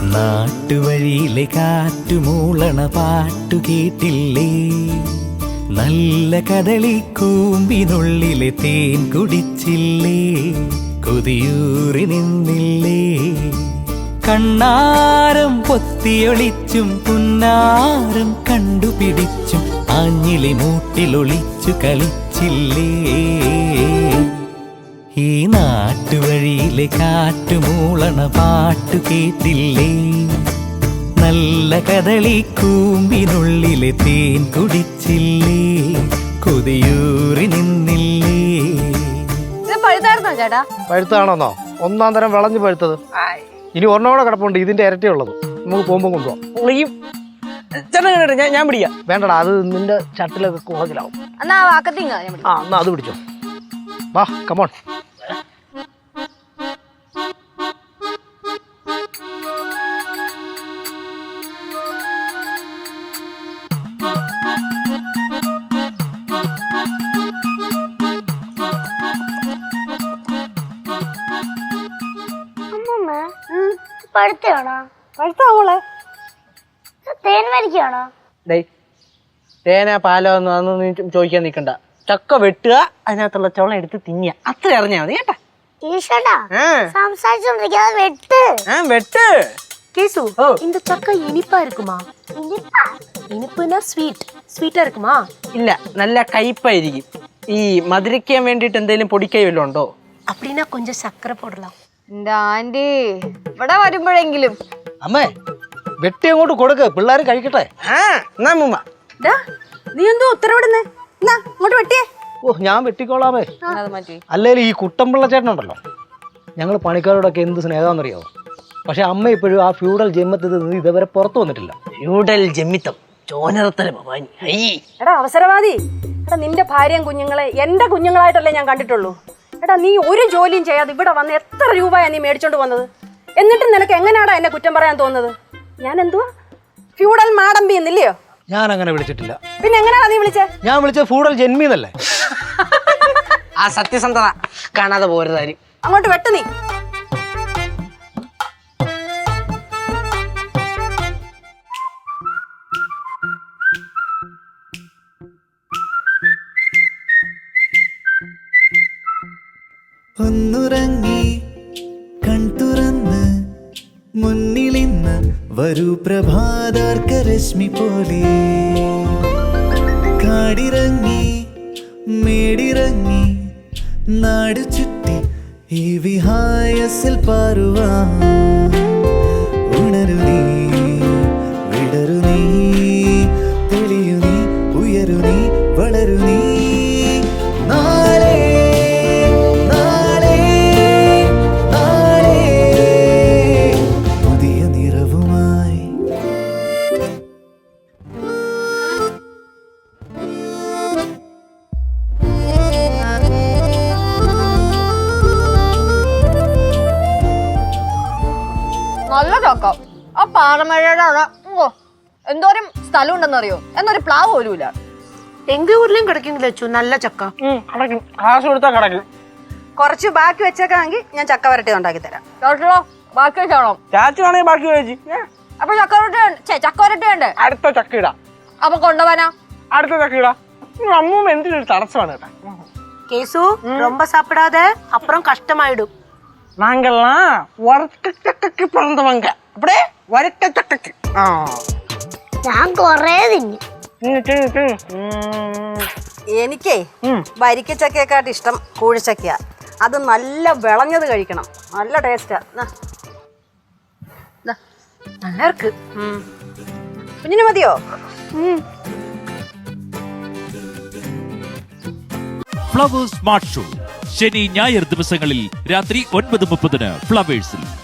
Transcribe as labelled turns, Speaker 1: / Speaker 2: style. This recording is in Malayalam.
Speaker 1: നാട്ടുവഴിയിലെ കാറ്റുമൂളണ പാട്ടു കേട്ടില്ലേ, നല്ല കദളിക്കൂമ്പിനുള്ളിലെ തേൻ കുടിച്ചില്ലേ, കൊതിയൂറി നിന്നില്ലേ. കണ്ണാരം പൊത്തിയൊളിച്ചും പുന്നാരം കണ്ടുപിടിച്ചും ആഞ്ഞിലി മൂട്ടിലൊളിച്ചു കളിച്ചില്ലേ. ഈ നാട്ടുവഴിയിലെ കാറ്റുമൂളണ പാട്ടു കേട്ടില്ലേ, നല്ല കദളിക്കൂമ്പിനുള്ളിലെ തേൻ കുടിച്ചില്ലേ, കൊതിയൂറി നിന്നില്ലേ.
Speaker 2: ചേട്ടാ
Speaker 3: പഴുത്താണോന്നോ? ഒന്നാം തരം വിളഞ്ഞു പഴുത്തത്. ഇനി ഒരെണ്ണോടെ കിടപ്പുണ്ട്, ഇതിന്റെ ഇരട്ടിയുള്ളത്. നമുക്ക് പോകുമ്പോ കൊണ്ടുപോകാം.
Speaker 4: ഞാൻ പിടിക്കാം.
Speaker 3: വേണ്ടടാ, അത് നിന്റെ ചട്ടിലൊക്കെ കുറച്ചിലാവും.
Speaker 2: എന്നാ വാക്കത്തിങ്ങ
Speaker 3: എന്നാ അത് പിടിച്ചോ. വാ, കമോൺ.
Speaker 5: പഴുത്താണോ? പഴുത്താവോളെ തേൻ വരിക്കാണോ?
Speaker 4: തേന പാലോ ഒന്നും നീ ചോദിക്കാൻ നിക്കണ്ട. ചക്ക വെട്ടുക, അതിനകത്തുള്ള ചോളം എടുത്ത് തിന്നുക, അത്ര അറിഞ്ഞാ മതി കേട്ടാ.
Speaker 5: സംസാരിച്ചോണ്ടിരിക്കാതെ വെട്ട്.
Speaker 4: വെട്ട്.
Speaker 6: கேசு இந்த சக்கை இனிப்பா இருக்குமா? இனிப்புனா ஸ்வீட்டா இருக்குமா?
Speaker 4: ഇല്ല, നല്ല കയ്പായിരിക്കും. ഈ മധുരിക്കാൻ വേണ്ടിട്ട് എന്തെങ്കിലും പൊടിക്കൈ വല്ലതും ഉണ്ടോ?
Speaker 6: அப்படின்னா கொஞ்சம் சக்கரை போடலாம்.
Speaker 2: എന്റെ ആന്റി ഇവിടെ വരുമ്പോഴെങ്കിലും.
Speaker 3: അമ്മേ, വെട്ടി അങ്ങോട്ട് കൊടുക്ക്, പിള്ളേർ കഴിക്കട്ടെ.
Speaker 6: നീ എന്തോ ഉത്തരവിടുന്നേ? ഇങ്ങോട്ട് വെട്ടിയേ.
Speaker 3: ഓ, ഞാൻ വെട്ടിക്കോളാമേ. അല്ലേലും ഈ കുട്ടമ്പിള്ള ചേട്ടനുണ്ടല്ലോ, ഞങ്ങൾ പണിക്കാരോടൊക്കെ എന്ത് സ്നേഹമാണെന്നറിയാവോ. പക്ഷെ അമ്മ ഇപ്പോഴും ആ ഫ്യൂഡൽ ജന്മത്തിൽ നിന്ന് ഇതുവരെ പുറത്തു വന്നിട്ടില്ല.
Speaker 4: ഫ്യൂഡൽ ജന്മിത്തം
Speaker 6: എടാ അവസരവാദി, എടാ നിന്റെ ഭാര്യയും കുഞ്ഞുങ്ങളെ എന്റെ കുഞ്ഞുങ്ങളായിട്ടല്ലേ ഞാൻ കണ്ടിട്ടുള്ളൂ. എടാ നീ ഒരു ജോലിയും ചെയ്യാതെ ഇവിടെ വന്ന് എത്ര രൂപയാ നീ മേടിച്ചോണ്ട് വന്നത്? എന്നിട്ടും നിനക്ക് എങ്ങനെയാടാ എന്നെ കുറ്റം പറയാൻ തോന്നുന്നത്? ഞാൻ എന്തുവാ ഫ്യൂഡൽ മാടമ്പി എന്നില്ലയോ?
Speaker 3: ഞാൻ അങ്ങനെ വിളിച്ചിട്ടില്ല.
Speaker 6: പിന്നെ എങ്ങനെയാ നീ വിളിച്ചേ?
Speaker 3: ഞാൻ വിളിച്ചത് ഫ്യൂഡൽ ജന്മിന്നല്ലേ.
Speaker 4: ആ സത്യസന്ധത കാണാതെ പോരുതാരും.
Speaker 6: അങ്ങോട്ട് വെട്ട് നീ.
Speaker 1: ഒന്നുറങ്ങി കൺതുറന്ന് മുന്നിലിന്ന് വരൂ പ്രഭാതാർക്കരശ്മി പോലെ, കാടിറങ്ങി മേടിറങ്ങി നാടു ചുറ്റി ഈ വിഹായസിൽ പാറുവാൻ. ഉണരു നീ, വിടരു നീ, തെളിയു നീ, ഉയരു നീ, വളരു നീ. നാളെ പുതിയ നിറവുമായി.
Speaker 2: നല്ല ചക്ക. ആ പാറമഴയുടെ അവിടെ എന്തോരം സ്ഥലം ഉണ്ടെന്നറിയോ? എന്നൊരു പ്ലാവ് പോലും ഇല്ല.
Speaker 6: എങ്ക ഊരിലും കിടക്കുന്നില്ല അച്ചു നല്ല ചക്ക.
Speaker 4: കാശ് കൊടുത്താ കിടക്കും.
Speaker 6: കുറച്ച് ബാക്കി വെച്ചേക്കാണെങ്കിൽ ഞാൻ ചക്ക വരട്ടി ഉണ്ടാക്കി തരാം.
Speaker 2: ചോട്ടോ ബാക്കി വെച്ചോളോ?
Speaker 4: ചാച്ചു ആണെങ്കിൽ ബാക്കി കഴിച്ചു.
Speaker 2: അപ്പൊ ചക്ക വരട്ടി വേണ്ടേ?
Speaker 4: അടുത്ത ചക്ക ഇടാം.
Speaker 2: അപ്പൊ കൊണ്ടുപോവാനാ?
Speaker 4: അടുത്ത ചക്ക ഇടാം. അമ്മൂമ്മ എന്തിനൊരു തടസ്സമാണ് കേട്ടാ.
Speaker 6: கேசு ரொம்ப சாப்பிடாத, அப்புறம் கஷ்டமாயிடும்.
Speaker 4: நாங்கெல்லாம் வரட்ட ചക്കക്ക് பிறந்தவங்க. அப்படியே வரட்ட ചക്കക്ക്.
Speaker 5: ഞാൻ കൊറേ തിന്നു.
Speaker 6: എനിക്കേ വരിക്കച്ചക്കയെക്കാട്ട് ഇഷ്ടം കൂഴിച്ചക്കയാ. അത് നല്ല വിളഞ്ഞത് കഴിക്കണം, നല്ല ടേസ്റ്റാ. നല്ല ഇருக்கு. കുഞ്ഞിന് മതിയോ?
Speaker 7: ഫ്ലവേഴ്സ് സ്മാർട്ട് ഷോ ശനി ഞായർ ദിവസങ്ങളിൽ രാത്രി 9:30 ഫ്ലവേഴ്സിൽ.